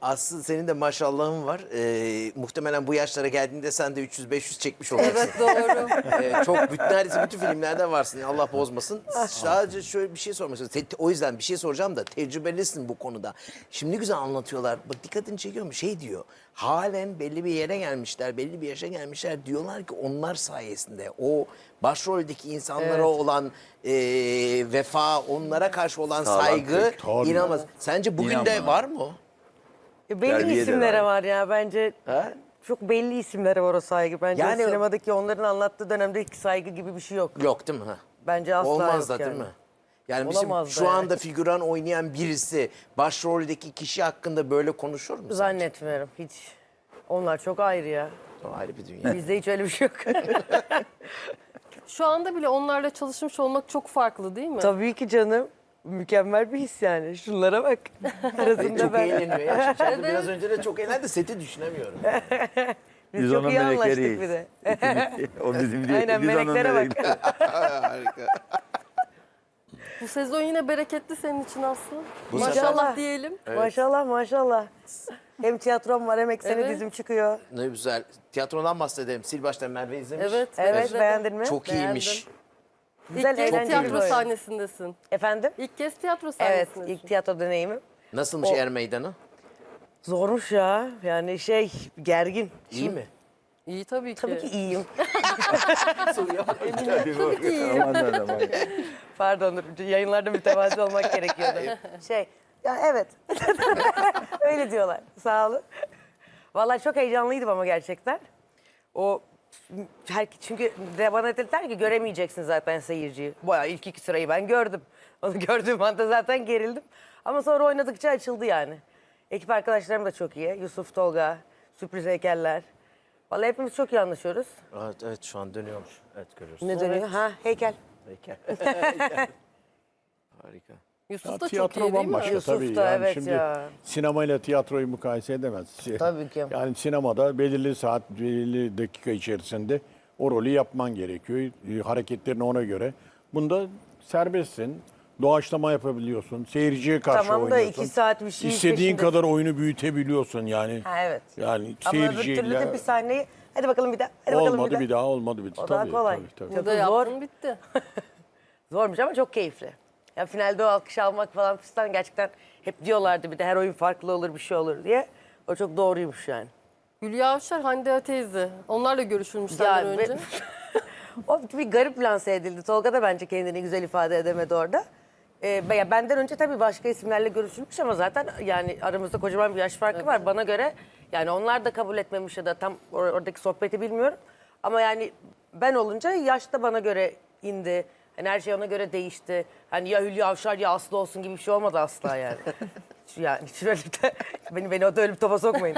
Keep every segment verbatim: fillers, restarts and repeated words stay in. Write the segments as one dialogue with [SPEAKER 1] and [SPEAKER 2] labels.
[SPEAKER 1] Aslı senin de maşallahın var. Ee, muhtemelen bu yaşlara geldiğinde sen de üç yüz beş yüz çekmiş olacaksın.
[SPEAKER 2] Evet doğru.
[SPEAKER 1] Ee, çok bütün, neredeyse bütün filmlerde varsın. Allah bozmasın. Sadece şöyle bir şey sormak istiyorum. Te- O yüzden bir şey soracağım da tecrübelisin bu konuda. Şimdi ne güzel anlatıyorlar. Bak dikkatini çekiyor mu? Şey diyor. Halen belli bir yere gelmişler, belli bir yaşa gelmişler. Diyorlar ki onlar sayesinde o başroldeki insanlara
[SPEAKER 3] Evet.
[SPEAKER 1] olan e, vefa, onlara karşı olan saygı
[SPEAKER 4] tabii.
[SPEAKER 1] inanılmaz. Sence bugün
[SPEAKER 4] İnan
[SPEAKER 1] de
[SPEAKER 4] bana.
[SPEAKER 1] var mı o?
[SPEAKER 3] E, Belli
[SPEAKER 4] Terbiye de
[SPEAKER 3] isimlere
[SPEAKER 4] var.
[SPEAKER 3] var ya bence.
[SPEAKER 1] Ha?
[SPEAKER 3] Çok belli isimlere var o saygı. Bence
[SPEAKER 1] Yani-
[SPEAKER 3] o sinemadaki onların anlattığı dönemdeki saygı gibi bir şey yok.
[SPEAKER 1] Yok değil mi? Ha?
[SPEAKER 3] Bence asla
[SPEAKER 1] Olmaz
[SPEAKER 3] yok
[SPEAKER 1] da
[SPEAKER 3] yani.
[SPEAKER 1] değil mi? Yani bizim
[SPEAKER 3] Olamaz da
[SPEAKER 1] şu
[SPEAKER 3] yani.
[SPEAKER 1] anda figüran oynayan birisi başroldeki kişi hakkında böyle konuşur mu? sence?
[SPEAKER 3] Zannetmiyorum hiç. Onlar çok ayrı ya.
[SPEAKER 1] O ayrı bir dünya.
[SPEAKER 3] Bizde hiç öyle bir şey yok.
[SPEAKER 2] Şu anda bile onlarla çalışmış olmak çok farklı değil mi?
[SPEAKER 3] Tabii ki canım. Mükemmel bir his yani. Şunlara bak. Arasında
[SPEAKER 1] Çok
[SPEAKER 3] ben.
[SPEAKER 1] eğleniyor ya. Şimdi biraz önce de çok eğlendi. Seti düşünemiyorum.
[SPEAKER 3] Biz,
[SPEAKER 4] Biz
[SPEAKER 3] çok
[SPEAKER 4] onun
[SPEAKER 3] iyi anlaştık
[SPEAKER 4] melekleriyiz.
[SPEAKER 3] bir de.
[SPEAKER 4] O bizim değil.
[SPEAKER 3] Aynen,
[SPEAKER 4] biz onun
[SPEAKER 3] meleklere bak.
[SPEAKER 4] melekleri.
[SPEAKER 1] Harika.
[SPEAKER 2] Bu sezon yine bereketli senin için Aslı.
[SPEAKER 1] Bu
[SPEAKER 2] Maşallah
[SPEAKER 3] sefer-
[SPEAKER 2] diyelim.
[SPEAKER 3] Maşallah maşallah. Hem tiyatrom var hem ekseni
[SPEAKER 2] Evet.
[SPEAKER 3] dizim çıkıyor.
[SPEAKER 1] Ne güzel. Tiyatrodan bahsedelim. Sil baştan Merve izlemiş.
[SPEAKER 2] Evet.
[SPEAKER 3] Evet
[SPEAKER 2] izledim.
[SPEAKER 3] beğendin mi?
[SPEAKER 1] Çok
[SPEAKER 2] Beğendim.
[SPEAKER 1] iyiymiş.
[SPEAKER 3] Güzel,
[SPEAKER 2] İlk kez
[SPEAKER 3] eğlenceli bir
[SPEAKER 2] tiyatro
[SPEAKER 3] oyun.
[SPEAKER 2] sahnesindesin.
[SPEAKER 3] Efendim?
[SPEAKER 2] İlk kez tiyatro
[SPEAKER 3] Evet,
[SPEAKER 2] sahnesindesin.
[SPEAKER 3] ilk tiyatro deneyimim.
[SPEAKER 1] Nasılmış
[SPEAKER 3] O-
[SPEAKER 1] Er Meydanı?
[SPEAKER 3] Zormuş ya. Yani şey, gergin.
[SPEAKER 1] İyi mi?
[SPEAKER 2] İyi tabii ki.
[SPEAKER 3] Tabii ki iyiyim.
[SPEAKER 2] Tabii ki iyi.
[SPEAKER 4] Aman da aman.
[SPEAKER 3] Pardon, dur, yayınlarda mütevazi olmak gerekiyordu. Şey, ya evet. Öyle diyorlar. Sağ olun. Vallahi çok heyecanlıydım ama gerçekten. O her, çünkü de bana dediler ki göremeyeceksin zaten seyirciyi. Bayağı ilk iki sırayı ben gördüm. Onu gördüğüm anda zaten gerildim. Ama sonra oynadıkça açıldı yani. Ekip arkadaşlarım da çok iyi. Yusuf, Tolga, sürpriz heykeller. Vallahi hepimiz çok iyi anlaşıyoruz.
[SPEAKER 1] Evet, evet şu an dönüyormuş. Evet görüyoruz.
[SPEAKER 3] Ne dönüyor? Ha, heykel.
[SPEAKER 1] Heykel. Harika.
[SPEAKER 2] Yusuf
[SPEAKER 4] Ya
[SPEAKER 2] da çok iyi
[SPEAKER 4] tiyatro
[SPEAKER 2] değil mi?
[SPEAKER 4] bambaşka
[SPEAKER 3] Yusuf
[SPEAKER 4] tabii.
[SPEAKER 3] da,
[SPEAKER 4] Yani
[SPEAKER 3] evet
[SPEAKER 4] şimdi
[SPEAKER 3] ya.
[SPEAKER 4] sinemayla tiyatroyu mukayese edemez. Şey-
[SPEAKER 3] Tabii ki.
[SPEAKER 4] Yani sinemada belirli saat, belirli dakika içerisinde o rolü yapman gerekiyor. E, Hareketlerini ona göre. Bunda serbestsin. Doğaçlama yapabiliyorsun. Seyirciye karşı
[SPEAKER 3] Tamam da
[SPEAKER 4] oynuyorsun.
[SPEAKER 3] iki saat bir şey
[SPEAKER 4] İstediğin
[SPEAKER 3] peşindesin.
[SPEAKER 4] kadar oyunu büyütebiliyorsun yani.
[SPEAKER 3] Ha evet.
[SPEAKER 4] Yani
[SPEAKER 3] Ama öbür türlü
[SPEAKER 4] seyirciyle
[SPEAKER 3] de bir sahneyi hadi bakalım bir daha. Hadi bakalım
[SPEAKER 4] olmadı
[SPEAKER 3] bir daha.
[SPEAKER 4] bir daha olmadı bir daha.
[SPEAKER 3] O daha
[SPEAKER 4] Tabii,
[SPEAKER 3] kolay.
[SPEAKER 4] tabii, tabii.
[SPEAKER 2] Burada
[SPEAKER 3] Çok zor.
[SPEAKER 2] yaptın bitti.
[SPEAKER 3] Zormuş ama çok keyifli. Ya finalde o alkış almak falan fistan gerçekten hep diyorlardı bir de her oyun farklı olur bir şey olur diye. O çok doğruymuş yani.
[SPEAKER 2] Hülya Avşar, Hande Ateyzi. Onlarla görüşülmüş
[SPEAKER 3] Ya
[SPEAKER 2] senden
[SPEAKER 3] ve-
[SPEAKER 2] önce.
[SPEAKER 3] O bir garip lanse edildi. Tolga da bence kendini güzel ifade edemedi orada. Ee, ya benden önce tabii başka isimlerle görüşülmüş ama zaten yani aramızda kocaman bir yaş farkı var. Bana göre yani onlar da kabul etmemiş ya da tam or- oradaki sohbeti bilmiyorum. Ama yani ben olunca yaş da bana göre indi. Hani her şey ona göre değişti. Hani ya Hülya Avşar ya Aslı olsun gibi bir şey olmadı asla yani. Yani şöyle de beni beni o da öyle bir topa sokmayın.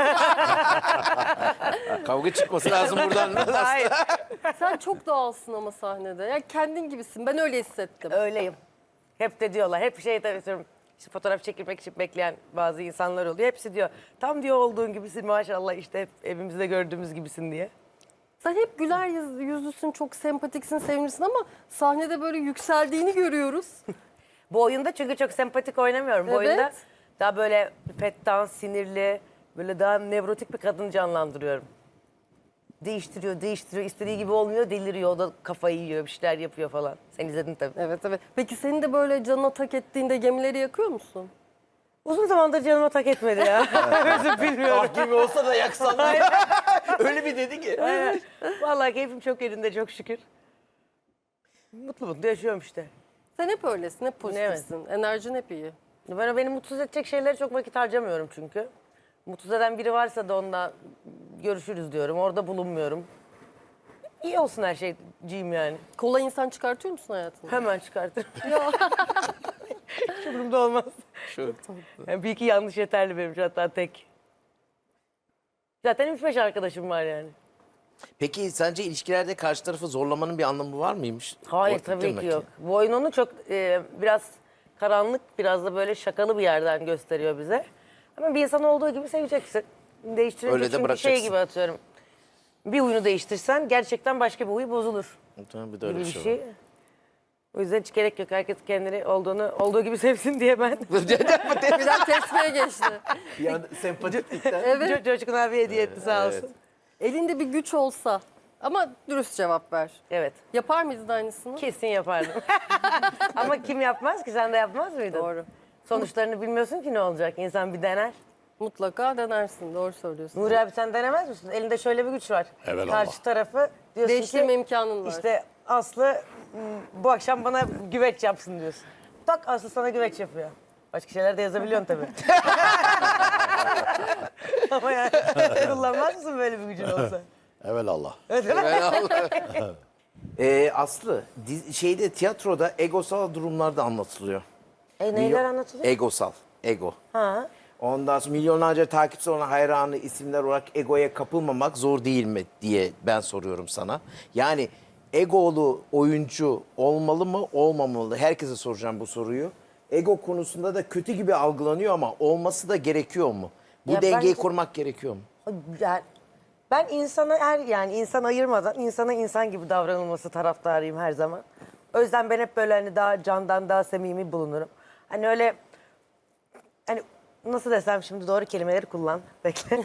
[SPEAKER 1] Kavga çıkması lazım buradan.
[SPEAKER 3] Hayır.
[SPEAKER 2] Sen çok doğalsın ama sahnede. Ya kendin gibisin. Ben öyle hissettim.
[SPEAKER 3] Öyleyim. Hep de diyorlar. Hep şey tabii söylüyorum. İşte fotoğraf çekilmek için bekleyen bazı insanlar oluyor. Hepsi diyor. Tam diyor olduğun gibisin maşallah işte hep evimizde gördüğümüz gibisin diye.
[SPEAKER 2] Sen hep güler yüz- yüzlüsün, çok sempatiksin, sevimlisin ama sahnede böyle yükseldiğini görüyoruz.
[SPEAKER 3] Bu oyunda çünkü çok sempatik oynamıyorum. Bu
[SPEAKER 2] Evet.
[SPEAKER 3] oyunda daha böyle pettan, sinirli, böyle daha nevrotik bir kadın canlandırıyorum. Değiştiriyor, değiştiriyor. İstediği gibi olmuyor, deliriyor. O da kafayı yiyor, bir şeyler yapıyor falan. Sen izledin tabii.
[SPEAKER 2] Evet evet. Peki senin de böyle canına tak ettiğinde gemileri yakıyor musun?
[SPEAKER 3] Uzun zamandır canıma tak etmedi ya. Özür bilmiyorum.
[SPEAKER 1] Ah gibi olsa da yaksan. Öyle bir dedi ki.
[SPEAKER 3] Evet. Vallahi keyfim çok yerinde çok şükür. Mutlu mutlu yaşıyorum işte.
[SPEAKER 2] Sen hep öylesin, hep pozitifsin. Enerjin hep iyi.
[SPEAKER 3] Ben beni mutsuz edecek şeylere çok vakit harcamıyorum çünkü. Mutsuz eden biri varsa da onunla görüşürüz diyorum. Orada bulunmuyorum. İyi olsun her şeyciğim yani.
[SPEAKER 2] Kolay insan çıkartıyor musun hayatında?
[SPEAKER 3] Hemen çıkartırım. Hiç umurumda olmaz.
[SPEAKER 1] Şu.
[SPEAKER 3] Yani bir iki yanlış yeterli benim için hatta tek. Zaten üç beş arkadaşım var yani.
[SPEAKER 1] Peki sence ilişkilerde karşı tarafı zorlamanın bir anlamı var mıymış?
[SPEAKER 3] Hayır
[SPEAKER 1] O-
[SPEAKER 3] tabii
[SPEAKER 1] değil
[SPEAKER 3] ki
[SPEAKER 1] mi
[SPEAKER 3] yok. Bu oyun onu çok e, biraz karanlık, biraz da böyle şakalı bir yerden gösteriyor bize. Ama bir insan olduğu gibi seveceksin. Değiştirince
[SPEAKER 1] Öyle de
[SPEAKER 3] çünkü şey
[SPEAKER 1] bırakacaksın.
[SPEAKER 3] gibi atıyorum. Bir huyunu değiştirsen gerçekten başka bir huy bozulur
[SPEAKER 1] Tamam, bir de öyle
[SPEAKER 3] gibi
[SPEAKER 1] bir
[SPEAKER 3] bir
[SPEAKER 1] şey, var.
[SPEAKER 3] şey. O yüzden hiç gerek yok. Herkes kendini olduğunu olduğu gibi sevsin diye ben.
[SPEAKER 2] Birden tespih'e geçti.
[SPEAKER 1] Bir anda sempatiklikten.
[SPEAKER 2] Evet.
[SPEAKER 3] Co- Coşkun abi hediye etti sağ olsun.
[SPEAKER 1] Evet.
[SPEAKER 2] Elinde bir güç olsa ama dürüst cevap ver.
[SPEAKER 3] Evet.
[SPEAKER 2] Yapar mıydın aynısını?
[SPEAKER 3] Kesin yapardım. Ama kim yapmaz ki? Sen de yapmaz mıydın?
[SPEAKER 2] Doğru.
[SPEAKER 3] Sonuçlarını bilmiyorsun ki ne olacak. İnsan bir dener.
[SPEAKER 2] Mutlaka denersin. Doğru söylüyorsun.
[SPEAKER 3] Nuri abi sen denemez misin? Elinde şöyle bir güç var.
[SPEAKER 4] Evelallah.
[SPEAKER 3] Karşı tarafı diyorsun
[SPEAKER 2] Değiştirme
[SPEAKER 3] ki
[SPEAKER 2] imkanın var.
[SPEAKER 3] işte Aslı m, bu akşam bana güveç yapsın diyorsun. Tak Aslı sana güveç yapıyor. Başka şeyler de yazabiliyorsun tabii. Ama yani kullanmaz mısın böyle bir gücün olsa?
[SPEAKER 4] Evelallah.
[SPEAKER 1] Ee, Aslı, diz- şeyde tiyatroda egosal durumlar da anlatılıyor.
[SPEAKER 3] E neyler anlatılıyor?
[SPEAKER 1] Egosal, ego.
[SPEAKER 3] Ha.
[SPEAKER 1] Ondan sonra milyonlarca takipçisi olan hayranı isimler olarak egoya kapılmamak zor değil mi diye ben soruyorum sana. Yani egolu oyuncu olmalı mı, olmamalı? Herkese soracağım bu soruyu. Ego konusunda da kötü gibi algılanıyor ama olması da gerekiyor mu? Bu
[SPEAKER 3] Ya
[SPEAKER 1] dengeyi
[SPEAKER 3] bence-
[SPEAKER 1] kurmak gerekiyor mu?
[SPEAKER 3] Yani ben insana her yani insan ayırmadan insana insan gibi davranılması taraftarıyım her zaman. O yüzden ben hep böyle hani daha candan daha samimi bulunurum. Hani öyle hani nasıl desem şimdi doğru kelimeleri kullan. Bekle.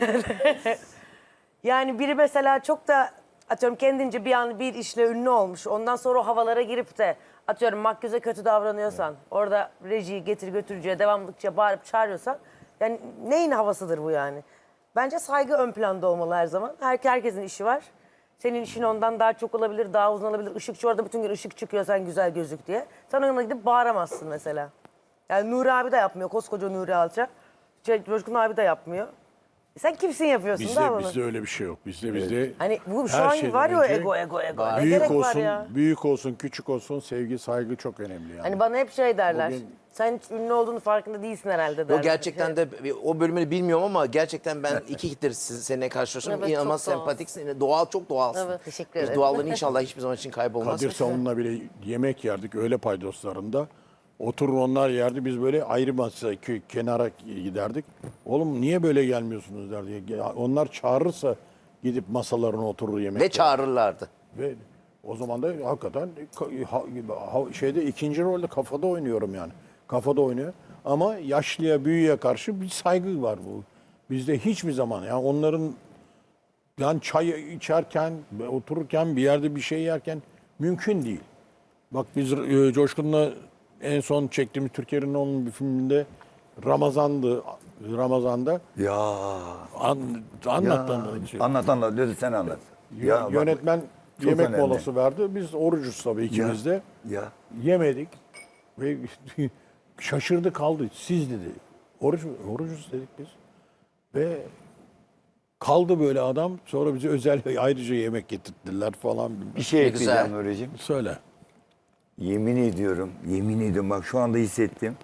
[SPEAKER 3] Yani biri mesela çok da atıyorum kendince bir an bir işle ünlü olmuş. Ondan sonra o havalara girip de atıyorum makyöze kötü davranıyorsan, orada rejiyi getir götürücüye devamlıkça bağırıp çağırıyorsan yani neyin havasıdır bu yani? Bence saygı ön planda olmalı her zaman. Her, herkesin işi var. Senin işin ondan daha çok olabilir, daha uzun olabilir. Işıkçı orada bütün gün ışık çıkıyor sen güzel gözük diye. Sen ona gidip bağıramazsın mesela. Yani Nuri abi de yapmıyor. Koskoca Nuri Alçak. Şey, Coşkun abi de yapmıyor. Sen kimsin yapıyorsun da
[SPEAKER 4] Bizde,
[SPEAKER 3] bunu?
[SPEAKER 4] bizde öyle bir şey yok. Bizde bizde
[SPEAKER 3] Hani bu şu
[SPEAKER 4] her
[SPEAKER 3] an
[SPEAKER 4] şeyden
[SPEAKER 3] var ya o
[SPEAKER 4] önce
[SPEAKER 3] ego ego ego. Ne
[SPEAKER 4] büyük
[SPEAKER 3] gerek var
[SPEAKER 4] olsun,
[SPEAKER 3] ya?
[SPEAKER 4] büyük olsun, küçük olsun sevgi, saygı çok önemli yani.
[SPEAKER 3] Hani bana hep şey derler.
[SPEAKER 4] Bugün-
[SPEAKER 3] Sen hiç ünlü olduğunu farkında değilsin herhalde derler.
[SPEAKER 1] Yok gerçekten de o bölümünü bilmiyorum ama gerçekten ben iki hittir siz- seninle karşılaşıyorum.
[SPEAKER 2] Evet,
[SPEAKER 1] İnanılmaz
[SPEAKER 2] çok doğal.
[SPEAKER 1] sempatiksin. Doğal, çok doğalsın.
[SPEAKER 2] Evet.
[SPEAKER 3] Teşekkür ederim.
[SPEAKER 1] Doğallığın inşallah hiçbir zaman için kaybolmaz.
[SPEAKER 4] Kadir Savun'la bile yemek yerdik öğle paydoslarında. Oturur onlar yerdi. Biz böyle ayrı masaya kö- kenara giderdik. Oğlum niye böyle gelmiyorsunuz derdi. Ya onlar çağırırsa gidip masalarına oturur yemek
[SPEAKER 1] Ve
[SPEAKER 4] yer.
[SPEAKER 1] çağırırlardı.
[SPEAKER 4] Ve o zaman da hakikaten ka- ha- ha- şeyde ikinci rolde kafada oynuyorum yani. Kafada oynuyor. Ama yaşlıya, büyüğe karşı bir saygı var bu. Bizde hiçbir zaman yani onların yani çay içerken, otururken bir yerde bir şey yerken mümkün değil. Bak biz e, Coşkun'la en son çektiğimiz Türkiye'nin onun bir filminde Ramazan'dı. Ramazan'da
[SPEAKER 5] Ya.
[SPEAKER 4] an, anlat
[SPEAKER 5] ya.
[SPEAKER 4] anlat.
[SPEAKER 5] Anlat anlat. Lütfen sen anlat.
[SPEAKER 4] Yö-
[SPEAKER 5] Ya bak,
[SPEAKER 4] Yönetmen
[SPEAKER 5] çok
[SPEAKER 4] yemek
[SPEAKER 5] önemli.
[SPEAKER 4] molası verdi. Biz orucuz tabii ikimiz de.
[SPEAKER 5] Ya.
[SPEAKER 4] Yemedik. Ve şaşırdı kaldı. Siz dedi. Oruç, orucuz dedik biz. Ve kaldı böyle adam. Sonra bize özel ayrıca yemek getirttiler falan.
[SPEAKER 5] Bir şey
[SPEAKER 1] Ne
[SPEAKER 5] ekleyeceğim
[SPEAKER 1] güzel.
[SPEAKER 5] Nuri'cim.
[SPEAKER 4] Söyle.
[SPEAKER 5] Yemin ediyorum, yemin ediyorum bak şu anda hissettim.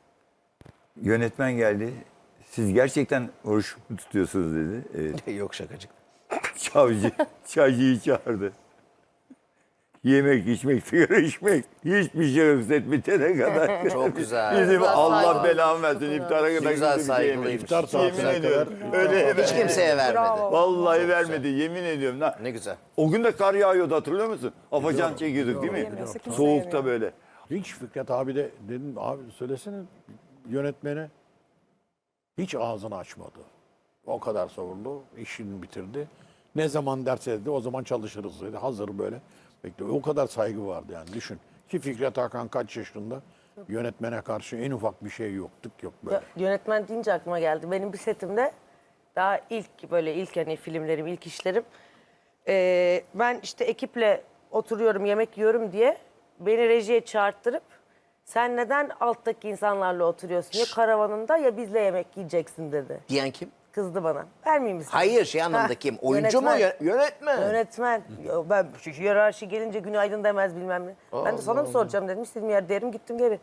[SPEAKER 5] Yönetmen geldi. Siz gerçekten oruç mu tutuyorsunuz dedi. Evet.
[SPEAKER 1] Yok şakacık.
[SPEAKER 5] Çavcı, çaycıyı çağırdı. Yemek, içmek, sigara içmek. Hiçbir şey hissetmeyene kadar.
[SPEAKER 1] Çok güzel.
[SPEAKER 5] Bizim
[SPEAKER 2] Güzel
[SPEAKER 5] Allah
[SPEAKER 2] saygılı.
[SPEAKER 5] belanı versin. İftara kadar
[SPEAKER 1] Güzel
[SPEAKER 5] kimse bir şey yemedi.
[SPEAKER 1] saygılıymış.
[SPEAKER 4] İftar saatine
[SPEAKER 5] Yemin ediyorum.
[SPEAKER 4] kadar.
[SPEAKER 5] Öyle
[SPEAKER 1] Hiç kimseye vermedi.
[SPEAKER 5] Vallahi vermedi. Yemin ediyorum. Na-
[SPEAKER 1] Ne güzel.
[SPEAKER 5] O gün de kar yağıyordu hatırlıyor musun? Afacan çekiyorduk değil mi? Soğukta böyle.
[SPEAKER 4] Hiç Fikret abi de dedim abi söylesene yönetmene. Hiç ağzını açmadı. O kadar savurdu. İşini bitirdi. Ne zaman derse dedi o zaman çalışırız dedi. Hazır böyle. Bekliyor. O kadar saygı vardı yani düşün. Ki Fikret Hakan kaç yaşında? Yönetmene karşı en ufak bir şey yok. Tık yok böyle.
[SPEAKER 3] Ya, yönetmen deyince aklıma geldi. Benim bir setimde daha ilk böyle ilk hani filmlerim, ilk işlerim. Ee, ben işte ekiple oturuyorum, yemek yiyorum diye beni rejiye çağırttırıp sen neden alttaki insanlarla oturuyorsun? Ya karavanında ya bizle yemek yiyeceksin dedi.
[SPEAKER 1] Diyen kim?
[SPEAKER 3] Kızdı bana. Vermeyeyim misin?
[SPEAKER 1] Hayır şey anlamında
[SPEAKER 3] Ha,
[SPEAKER 1] kim? Oyuncu mu?
[SPEAKER 3] yönetmen.
[SPEAKER 1] Yö- Yönetmen.
[SPEAKER 3] Yönetmen. Ya ben şu hiyerarşi gelince günaydın demez bilmem ne. Ben de sana mı soracağım dedim. İstediğim yer derim gittim geri.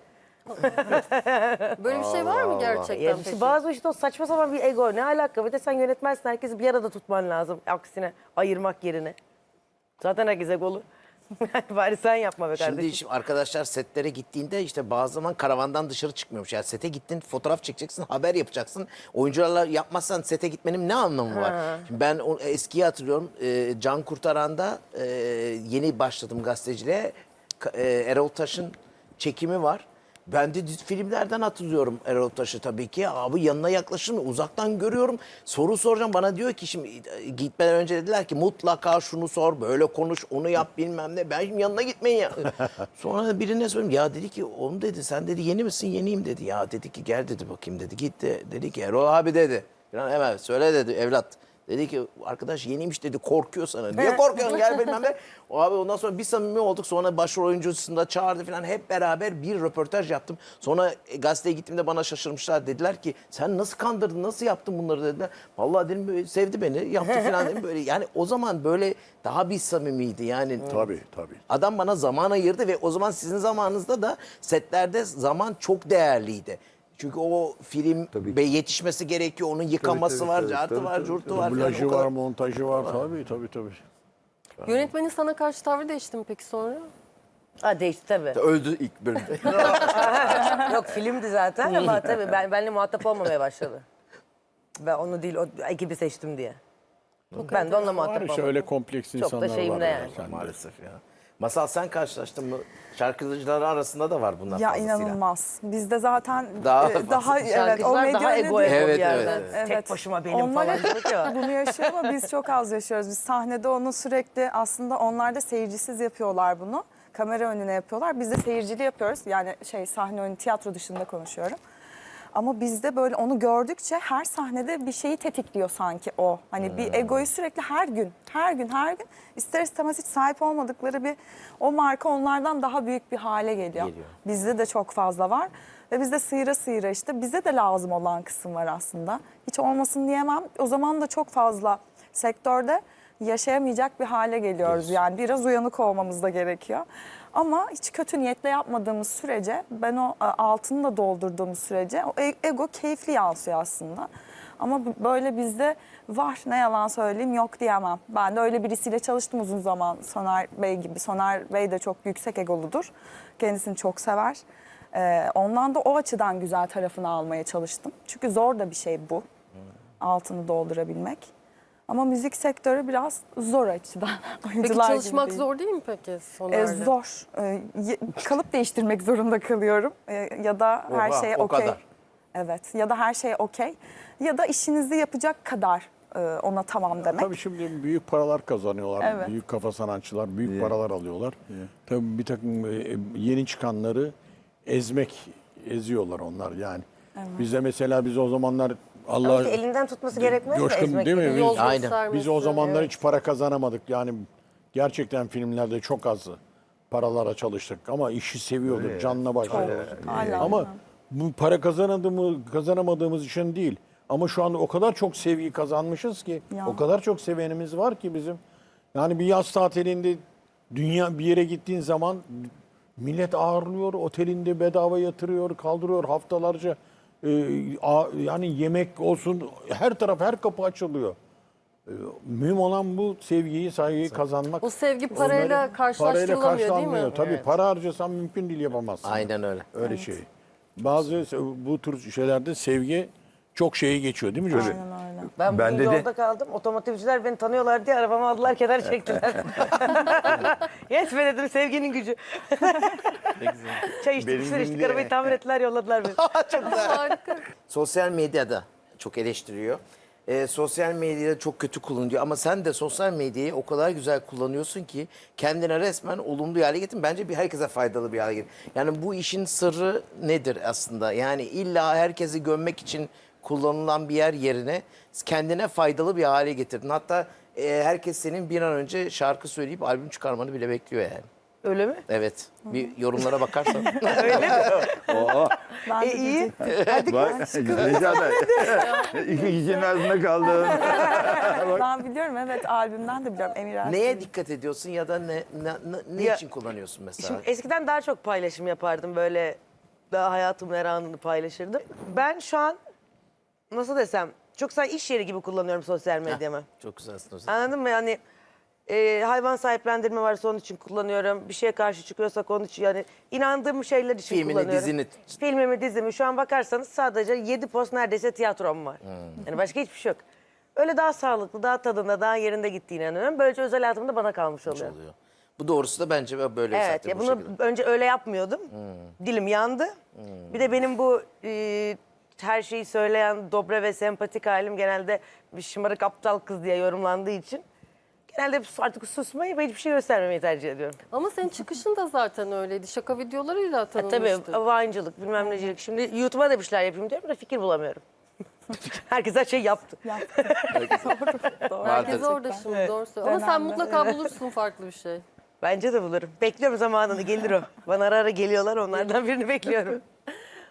[SPEAKER 2] Böyle bir şey var mı gerçekten
[SPEAKER 3] Ya
[SPEAKER 2] peki?
[SPEAKER 3] işte bazı işte o saçma sapan bir ego ne alaka? Bir de sen yönetmensin herkesi bir arada tutman lazım. Aksine ayırmak yerine. Zaten herkes egolu. Bari sen yapma be kardeşim.
[SPEAKER 1] Şimdi, şimdi arkadaşlar setlere gittiğinde işte bazı zaman karavandan dışarı çıkmıyormuş. Yani sete gittin fotoğraf çekeceksin, haber yapacaksın. Oyuncularla yapmazsan sete gitmenin ne anlamı var? Şimdi ben o eskiyi hatırlıyorum. Ee, Can Kurtaran'da e, yeni başladım gazeteciliğe. Ka- e, Erol Taş'ın çekimi var. Ben de dizi- filmlerden hatırlıyorum Erol Taş'ı tabii ki. Abi yanına yaklaşır mı? Uzaktan görüyorum. Soru soracağım. Bana diyor ki şimdi e, gitmeden önce dediler ki mutlaka şunu sor, böyle konuş, onu yap bilmem ne. Ben şimdi yanına gitmeyin ya. Sonra birine söyledim. Ya dedi ki onu dedi sen dedi yeni misin? Yeniyim dedi. Ya dedi ki gel dedi bakayım dedi. Gitti. Dedi ki Erol abi dedi. Falan hemen söyle dedi evlat. Dedi ki arkadaş yeniymiş dedi korkuyor sana. Niye korkuyorsun gel bilmem ne. O abi ondan sonra bir samimi olduk. Sonra başrol oyuncusunu da çağırdı falan. Hep beraber bir röportaj yaptım. Sonra e, gazeteye gittiğimde bana şaşırmışlar. Dediler ki sen nasıl kandırdın nasıl yaptın bunları dediler. Vallahi dedim böyle sevdi beni yaptı falan dedim. Böyle, yani o zaman böyle daha bir samimiydi yani.
[SPEAKER 4] Tabii tabii.
[SPEAKER 1] Adam bana zaman ayırdı ve o zaman sizin zamanınızda da setlerde zaman çok değerliydi. Çünkü o film
[SPEAKER 5] Tabii.
[SPEAKER 1] be yetişmesi gerekiyor. Onun yıkaması
[SPEAKER 5] tabii,
[SPEAKER 1] var,
[SPEAKER 5] tabii,
[SPEAKER 1] cartı
[SPEAKER 5] tabii,
[SPEAKER 1] var,
[SPEAKER 5] tabii,
[SPEAKER 1] curtu
[SPEAKER 5] tabii.
[SPEAKER 1] var. falan.
[SPEAKER 4] Dublajı
[SPEAKER 1] O kadar-
[SPEAKER 4] var, montajı var. Tabii tabii tabii.
[SPEAKER 2] Yönetmenin sana karşı tavrı değişti mi peki sonra?
[SPEAKER 3] Ha değişti tabii.
[SPEAKER 1] Öldü ilk bölümde.
[SPEAKER 3] Yok filmdi zaten ama tabii ben benimle muhatap olmamaya başladı. Ben onu değil o ekibi seçtim diye. Ben de onunla
[SPEAKER 4] Var
[SPEAKER 3] muhatap
[SPEAKER 4] işte
[SPEAKER 3] olmadım.
[SPEAKER 4] öyle kompleks
[SPEAKER 3] Çok da
[SPEAKER 4] insanlar
[SPEAKER 3] şeyimde
[SPEAKER 4] var.
[SPEAKER 3] yani.
[SPEAKER 4] Sen de.
[SPEAKER 1] Maalesef ya. Masal sen karşılaştın mı? Şarkıcılar arasında da var bunlar
[SPEAKER 6] Ya
[SPEAKER 1] fazlasıyla.
[SPEAKER 6] inanılmaz. Bizde zaten
[SPEAKER 1] Daha
[SPEAKER 6] e, daha evet o
[SPEAKER 3] Şarkıcılar
[SPEAKER 6] medya
[SPEAKER 3] daha
[SPEAKER 6] öyle
[SPEAKER 3] ego
[SPEAKER 6] değil.
[SPEAKER 3] ego
[SPEAKER 1] Evet,
[SPEAKER 3] bir yerden.
[SPEAKER 1] evet,
[SPEAKER 3] Tek başıma benim
[SPEAKER 6] Onlar
[SPEAKER 3] falan
[SPEAKER 6] hep
[SPEAKER 3] dedik ya.
[SPEAKER 6] bunu yaşıyor ama biz çok az yaşıyoruz. Biz sahnede onu sürekli aslında onlar da seyircisiz yapıyorlar bunu. Kamera önüne yapıyorlar. Biz de seyircili yapıyoruz. Yani şey sahne önü tiyatro dışında konuşuyorum. Ama bizde böyle onu gördükçe her sahnede bir şeyi tetikliyor sanki o. Hani bir egoyu sürekli her gün, her gün, her gün ister istemez hiç sahip olmadıkları bir o marka onlardan daha büyük bir hale geliyor.
[SPEAKER 1] Geliyor.
[SPEAKER 6] Bizde de çok fazla var. Ve bizde sıyıra sıyıra işte bize de lazım olan kısım var aslında. Hiç olmasın diyemem. O zaman da çok fazla sektörde yaşayamayacak bir hale geliyoruz. Yani biraz uyanık olmamız da gerekiyor. Ama hiç kötü niyetle yapmadığımız sürece, ben o e, altını da doldurduğumuz sürece o e- ego keyifli yansıyor aslında. Ama b- böyle bizde var, ne yalan söyleyeyim, yok diyemem. Ben de öyle birisiyle çalıştım uzun zaman, Soner Bey gibi. Soner Bey de çok yüksek egoludur. Kendisini çok sever. Ee, ondan da o açıdan güzel tarafını almaya çalıştım. Çünkü zor da bir şey bu. Altını doldurabilmek. Ama müzik sektörü biraz zor açıdan.
[SPEAKER 2] Peki
[SPEAKER 6] Oyuncular gibi
[SPEAKER 2] çalışmak
[SPEAKER 6] değil.
[SPEAKER 2] zor değil mi peki
[SPEAKER 6] Ee,
[SPEAKER 2] Soner'le?
[SPEAKER 6] zor. Ee, ye- kalıp değiştirmek zorunda kalıyorum. Ee, ya da her
[SPEAKER 1] Oha,
[SPEAKER 6] şeye
[SPEAKER 1] o
[SPEAKER 6] okey.
[SPEAKER 1] kadar.
[SPEAKER 6] Evet. Ya da her şeye okey. Ya da işinizi yapacak kadar e, ona tamam demek.
[SPEAKER 4] Tabii şimdi büyük paralar kazanıyorlar.
[SPEAKER 6] Evet.
[SPEAKER 4] Büyük kafa sanatçılar büyük
[SPEAKER 5] Yeah.
[SPEAKER 4] paralar alıyorlar. Tabii bir takım e, yeni çıkanları ezmek, eziyorlar onlar yani. Bizde mesela biz o zamanlar Allah
[SPEAKER 3] Ama elinden tutması gerekmez mi?
[SPEAKER 4] Coşkun
[SPEAKER 3] ezmek
[SPEAKER 4] değil mi?
[SPEAKER 3] gibi?
[SPEAKER 4] Biz-
[SPEAKER 2] Yol
[SPEAKER 1] Aynen.
[SPEAKER 2] göstermesi.
[SPEAKER 4] Biz o zamanlar
[SPEAKER 2] Evet.
[SPEAKER 4] hiç para kazanamadık. Yani gerçekten filmlerde çok az paralara çalıştık ama işi seviyorduk canla başla.
[SPEAKER 6] Hala.
[SPEAKER 4] Ama bu para kazanamadığımız, kazanamadığımız için değil. Ama şu anda o kadar çok sevgi kazanmışız ki,
[SPEAKER 6] Ya.
[SPEAKER 4] o kadar çok sevenimiz var ki bizim. Yani bir yaz tatilinde dünya bir yere gittiğin zaman millet ağırlıyor, otelinde bedava yatırıyor, kaldırıyor haftalarca. Ee, a- yani yemek olsun her taraf her kapı açılıyor. Ee, mühim olan bu sevgiyi, saygıyı kazanmak.
[SPEAKER 2] O sevgi parayla
[SPEAKER 4] Onları-
[SPEAKER 2] karşılaştırılamıyor değil mi?
[SPEAKER 4] karşılanmıyor. Tabii para harcasan mümkün değil yapamazsın.
[SPEAKER 1] Aynen öyle.
[SPEAKER 4] Öyle şey. Bazı bu tür şeylerde sevgi çok şeyi geçiyor değil mi Coşkun?
[SPEAKER 6] Aynen öyle.
[SPEAKER 3] Ben
[SPEAKER 5] Ben
[SPEAKER 3] bugün
[SPEAKER 5] de de-
[SPEAKER 3] yolda kaldım. Otomotivciler beni tanıyorlar diye arabamı aldılar, kenar çektiler. Yetme dedim sevginin gücü. Çay içtik,
[SPEAKER 5] Benim
[SPEAKER 3] bir sürü içtik,
[SPEAKER 5] günde-
[SPEAKER 3] arabayı tamir ettiler, yolladılar beni.
[SPEAKER 2] Harika.
[SPEAKER 1] Sosyal medyada çok eleştiriyor. Ee, sosyal medyada çok kötü kullanılıyor ama sen de sosyal medyayı o kadar güzel kullanıyorsun ki kendine resmen olumlu bir hale getirin. Bence bir herkese faydalı bir hale getirin. Yani bu işin sırrı nedir aslında? Yani illa herkesi gömmek için kullanılan bir yer yerine kendine faydalı bir hale getirdin. Hatta e, herkes senin bir an önce şarkı söyleyip albüm çıkarmanı bile bekliyor yani.
[SPEAKER 3] Öyle mi?
[SPEAKER 1] Evet. Bir yorumlara bakarsan.
[SPEAKER 6] Ben
[SPEAKER 3] E,
[SPEAKER 6] de
[SPEAKER 3] iyi.
[SPEAKER 5] Bak Necat iki kişinin arasında kaldın.
[SPEAKER 6] Ben biliyorum, evet, albümden de biliyorum. Emir Ersoy.
[SPEAKER 1] Neye dikkat ediyorsun ya da ne ne, ne, ne
[SPEAKER 3] Ya-
[SPEAKER 1] için kullanıyorsun mesela?
[SPEAKER 3] Şimdi eskiden daha çok paylaşım yapardım, böyle daha hayatımın her anını paylaşırdım. Ben şu an nasıl desem çok sanki iş yeri gibi kullanıyorum sosyal medyamı.
[SPEAKER 1] Çok güzelsin o zaman.
[SPEAKER 3] Anladın mı? Yani e, hayvan sahiplendirme varsa onun için kullanıyorum. Bir şeye karşı çıkıyorsak onun için, yani inandığım şeyler için
[SPEAKER 1] Filmini,
[SPEAKER 3] kullanıyorum.
[SPEAKER 1] dizini.
[SPEAKER 3] Filmimi, dizimi. Şu an bakarsanız sadece yedi post neredeyse tiyatrom var. Yani başka hiçbir şey yok. Öyle daha sağlıklı, daha tadında, daha yerinde gittiğine inanıyorum. Böylece özel hayatım da bana kalmış oluyor.
[SPEAKER 1] oluyor. Bu doğrusu da bence böyle
[SPEAKER 3] Evet
[SPEAKER 1] zaten
[SPEAKER 3] ya
[SPEAKER 1] bu
[SPEAKER 3] bunu
[SPEAKER 1] şekilde.
[SPEAKER 3] önce öyle yapmıyordum. Dilim yandı. Bir de benim bu e, her şeyi söyleyen dobra ve sempatik halim genelde bir şımarık aptal kız diye yorumlandığı için genelde artık susmayı ve hiçbir şey göstermemeyi tercih ediyorum.
[SPEAKER 2] Ama senin çıkışın da zaten öyleydi. Şaka videolarıyla
[SPEAKER 3] E,
[SPEAKER 2] tanınmıştı.
[SPEAKER 3] tabii Vine'cılık bilmem necilik. Şimdi YouTube'a da bir şeyler yapayım diyorum da fikir bulamıyorum. Herkes her şey yaptı.
[SPEAKER 6] Doğru.
[SPEAKER 2] Herkes orada şimdi doğru söylüyor. Ama sen
[SPEAKER 6] Dönemde,
[SPEAKER 2] mutlaka bulursun farklı bir şey.
[SPEAKER 3] Bence de bulurum. Bekliyorum zamanını gelir o. Bana ara ara geliyorlar onlardan birini bekliyorum.